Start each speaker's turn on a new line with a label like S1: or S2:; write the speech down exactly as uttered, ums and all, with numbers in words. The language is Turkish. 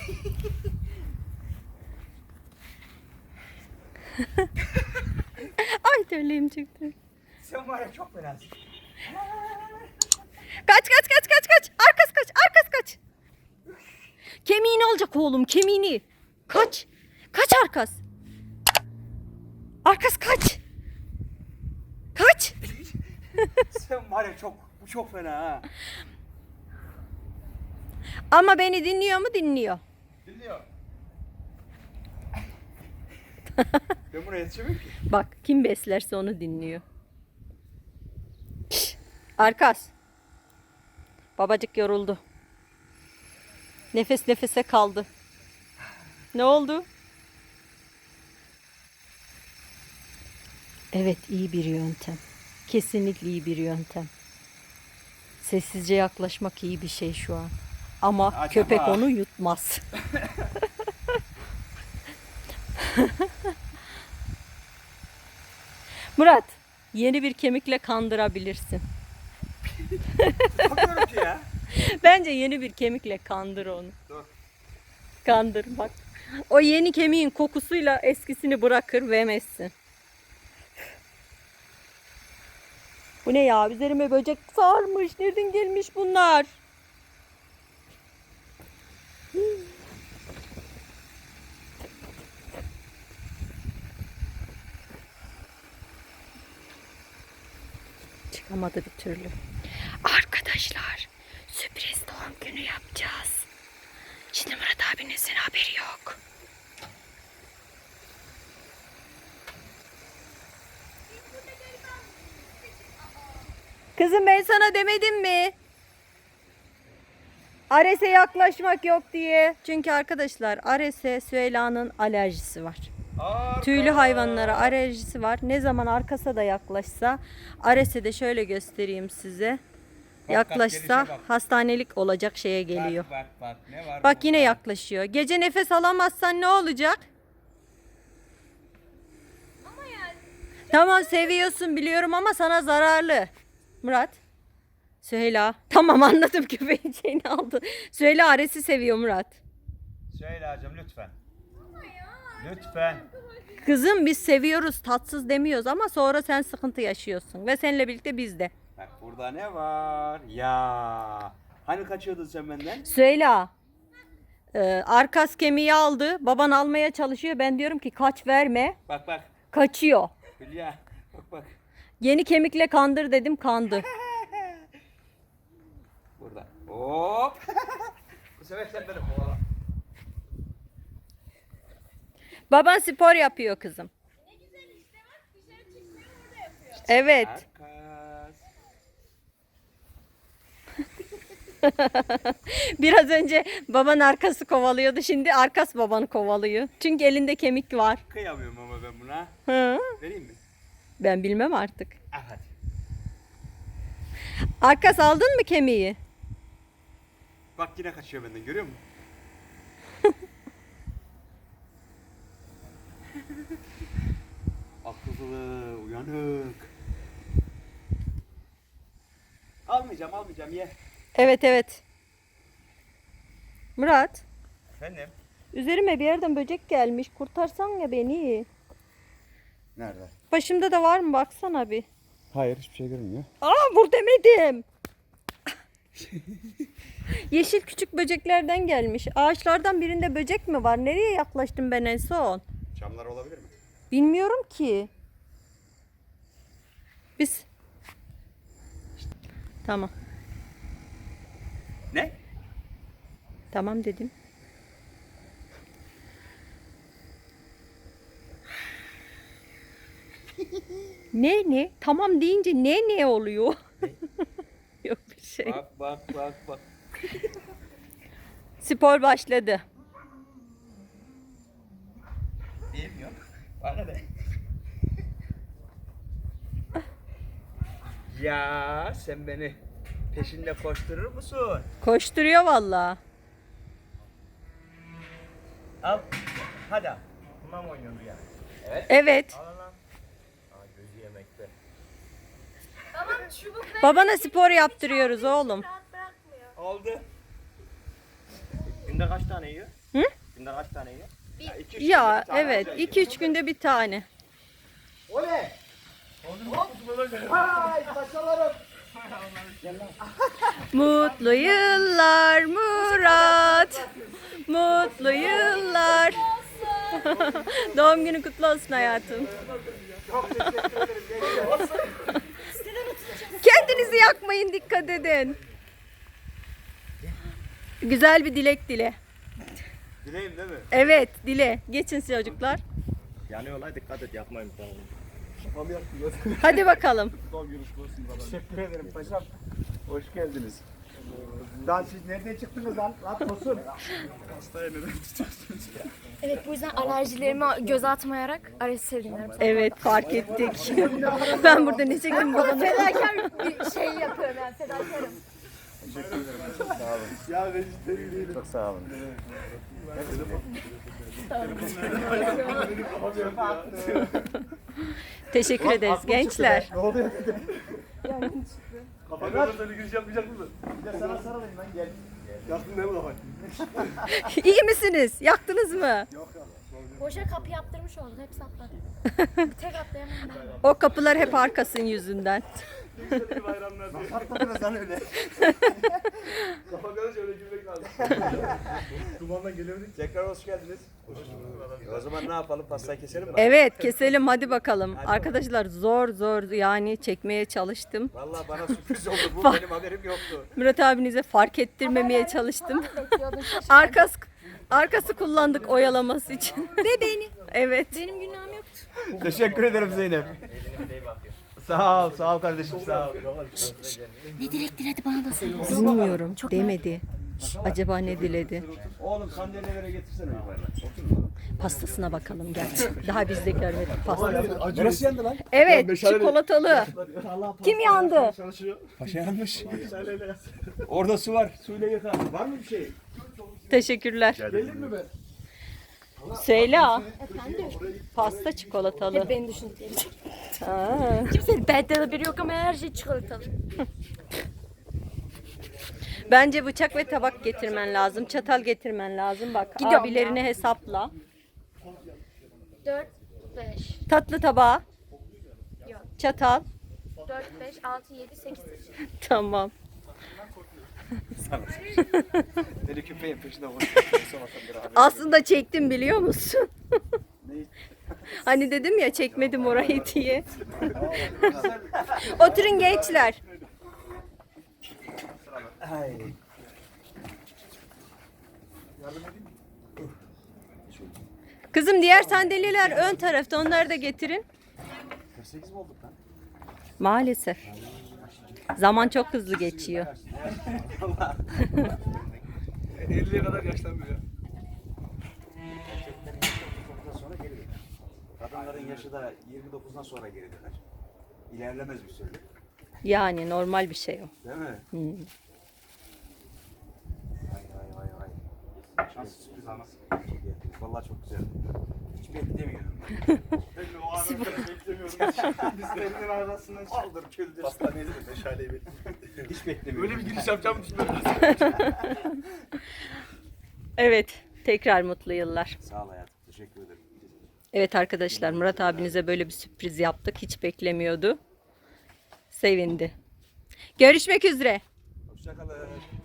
S1: Ay terliğim çıktı.
S2: Sen var ya çok fenasın.
S1: Kaç kaç kaç kaç kaç. Arkas kaç arkas kaç. Kemiğini alacak oğlum kemiğini. Kaç. Kaç Arkas. Arkas kaç. Kaç.
S2: Sen var ya çok, bu çok fena ha.
S1: Ama beni dinliyor mu? Dinliyor.
S2: Dinliyor. Ben buraya yetişemem ki.
S1: Bak kim beslerse onu dinliyor. Şş, Arkas. Babacık yoruldu. Nefes nefese kaldı. Ne oldu? Evet iyi bir yöntem. Kesinlikle iyi bir yöntem. Sessizce yaklaşmak iyi bir şey şu an. Ama
S2: Acaba?
S1: köpek onu yutmaz. Murat, yeni bir kemikle kandırabilirsin.
S2: Bakıyorum ki ya.
S1: Bence yeni bir kemikle kandır onu.
S2: Dur.
S1: Kandır bak. O yeni kemiğin kokusuyla eskisini bırakır ve emezsin. Bu ne ya? Üzerime böcek sarmış. Nereden gelmiş bunlar? Çıkamadı bir türlü. Arkadaşlar, sürpriz doğum günü yapacağız. Şimdi Murat abinizin haberi yok. Kızım ben sana demedim mi? Ares'e yaklaşmak yok diye. Çünkü arkadaşlar Ares'e Süheyla'nın alerjisi var.
S2: Arka.
S1: Tüylü hayvanlara alerjisi var. Ne zaman Arkas'a da yaklaşsa, Ares'e de şöyle göstereyim size.
S2: Bak,
S1: Yaklaşsa
S2: bak, gelişe bak.
S1: hastanelik olacak şeye geliyor.
S2: Bak bak bak ne var
S1: Bak yine
S2: burada?
S1: yaklaşıyor. Gece nefes alamazsan ne olacak? Tamam seviyorsun biliyorum ama sana zararlı. Murat. Süheyla. Tamam anladım köpeğin şeyini aldı. Süheyla Ares'i seviyor Murat.
S2: Süheyla'cığım lütfen. Lütfen.
S1: Kızım biz seviyoruz tatsız demiyoruz ama sonra sen sıkıntı yaşıyorsun. Ve seninle birlikte biz de.
S2: Bak burada ne var? Ya. Hani kaçıyordun sen benden?
S1: Süheyla. e, Arkas kemiği aldı. Baban almaya çalışıyor. Ben diyorum ki kaç verme.
S2: Bak bak.
S1: Kaçıyor.
S2: Hülya. Bak bak.
S1: Yeni kemikle kandır dedim kandı.
S2: Burada. Hop. Bu sefer sen beni kovala.
S1: Baban spor yapıyor kızım.
S3: Ne güzel işte bak dışarı çıkmıyor orada yapıyor.
S1: Evet.
S2: Arkas.
S1: Biraz önce baban Arkas'ı kovalıyordu. Şimdi Arkas babanı kovalıyor. Çünkü elinde kemik var.
S2: Kıyamıyorum ama ben buna.
S1: Hı?
S2: Vereyim mi?
S1: Ben bilmem artık.
S2: Al hadi.
S1: Arkas aldın mı kemiği?
S2: Bak yine kaçıyor benden görüyor musun? Akıllı, uyanık. Almayacağım, almayacağım ye.
S1: Evet evet. Murat,
S2: Efendim?
S1: üzerime bir yerden böcek gelmiş. Kurtarsan ya beni.
S2: Nerede?
S1: Başımda da var mı baksana bir.
S2: Hayır hiçbir şey görünmüyor.
S1: Aa vur demedim. Yeşil küçük böceklerden gelmiş. Ağaçlardan birinde böcek mi var? Nereye yaklaştım ben en son?
S2: Çamlar olabilir mi?
S1: Bilmiyorum ki. Biz. Tamam.
S2: Ne?
S1: Tamam dedim. Ne ne? Tamam deyince ne ne oluyor? Yok bir şey.
S2: Bak bak bak bak.
S1: Spor başladı.
S2: Bilmiyor. Bana ne? Ya sen beni peşinde koşturur musun?
S1: Koşturuyor vallahi.
S2: Al. Hadi al. Bununla mı oynuyorsun ya? Evet.
S1: Evet.
S2: Al lan. Aa gözü yemekte.
S3: Tamam çubuk ver.
S1: Babana spor yaptırıyoruz oğlum.
S3: Rahat bırakmıyor.
S2: Aldı. Günde kaç tane yiyor?
S1: Hı?
S4: günde kaç tane yiyor?
S2: Ya, iki, üç
S1: Ya
S2: günde bir tane
S1: evet
S2: alacak
S1: iki üç günde bir tane.
S2: Oley! Hay paşalarım.
S1: Mutlu yıllar Murat. Mutlu yıllar. Doğum günün kutlu olsun hayatım.
S2: Çok teşekkür ederim. Gençler.
S1: Kendinizi yakmayın, dikkat edin. Güzel bir dilek dile.
S2: Dileyim değil mi?
S1: Evet, dile. Geçin çocuklar.
S4: Yanıyorlar, dikkat et, yapmayın bir tane.
S1: Hadi bakalım.
S2: Teşekkür ederim paşam. Hoş geldiniz. Daha siz nereden çıktınız lan? Rahat olsun.
S3: Evet bu yüzden alerjilerimi göze atmayarak arası sevdiğimler.
S1: Evet, fark ettik. Ben burada ne çektim babana?
S3: Fedakar bir şey yapıyorum yani fedakarım.
S2: Ya vejetaryen değilim. Çok sağ olun.
S1: Teşekkür ederiz gençler.
S2: Ne oluyor dedim. Kafanı böyle giriş yapmayacak mısın? Bir de sana sarılayım lan gel. Yaktın değil mi kafayı?
S1: İyi misiniz? Yaktınız mı?
S3: Boşa kapı yaptırmış oldum hepsi atladı. Bir tek atlayamam ben.
S1: O kapılar hep arkasın yüzünden.
S2: Atladınız lan öyle.
S5: Kafa karış öyle gülmek lazım. Dumandan gelemedik.
S2: Tekrar hoş geldiniz. O zaman ne yapalım? Pastayı keselim mi?
S1: Evet, keselim hadi bakalım. Arkadaşlar zor zor yani çekmeye çalıştım.
S2: Vallahi bana sürpriz oldu bu. Benim haberim yoktu.
S1: Murat abinize fark ettirmemeye çalıştım.
S3: Bekliyordum şaşırdım.
S1: Arkası arkası kullandık oyalaması için. Ve beni. Evet.
S3: Benim günahım yoktu.
S2: Teşekkür ederim Zeynep. Sağ ol, sağ ol kardeşim, sağ ol.
S3: Ne dilek diledi bana da söyle.
S1: Bilmiyorum. Demedi. Acaba ne diledi?
S2: Oğlum sandalyeleri getirsene yukarıdan.
S1: Pastasına bakalım gel. Daha biz de görmedik pastasını.
S2: Neresi yandı lan?
S1: Evet, çikolatalı. Kim yandı?
S2: Paşa yanmış. Orada su var. Suyla yıka. Var mı bir şey?
S1: Teşekkürler.
S2: Gelir mi ben?
S1: Söyle.
S3: Efendim?
S1: Pasta çikolatalı.
S3: Hep beni düşündükleri.
S1: Aa.
S3: Kimsenin benden haberi yok ama her şey çikolatalı.
S1: Bence bıçak ve tabak getirmen lazım. Çatal getirmen lazım. Bak
S3: Gidiyorum
S1: abilerini hesapla.
S3: dört, beş,
S1: Tatlı tabağı.
S3: yok.
S1: Çatal.
S3: dört, beş, altı, yedi, sekiz.
S1: Tamam.
S2: Deli köpeğin peşinde
S1: Aslında çektim biliyor musun? Hani dedim ya çekmedim orayı diye. Oturun gençler. Kızım diğer sandalyeler ön tarafta, onları da getirin.
S2: kırk sekiz mi olduk lan?
S1: Maalesef. Zaman çok hızlı geçiyor.
S5: elliye kadar yaşlanmıyor.
S2: Sonra geri döner. Kadınların yaşı da yirmi dokuzdan sonra geri döner. İlerlemez bir süre.
S1: Yani normal bir şey o.
S2: Değil mi?
S1: Hmm.
S2: Vay vay vay vay. Şans sürpriz ama. Vallahi çok güzel. Hiç beklemiyordum.
S5: Ben de o anı kadar beklemiyorum. Biz senin arasından
S2: Kaldır küldür.
S5: Hastaneye de meşaleyi bekliyorum.
S2: Hiç beklemiyordum.
S5: Böyle bir giriş yapacağımı düşünmedim.
S1: Evet, tekrar mutlu yıllar.
S2: Sağ ol hayatım. Teşekkür ederim.
S1: Evet arkadaşlar, Murat abinize böyle bir sürpriz yaptık. Hiç beklemiyordu. Sevindi. Görüşmek üzere.
S2: Hoşçakalın.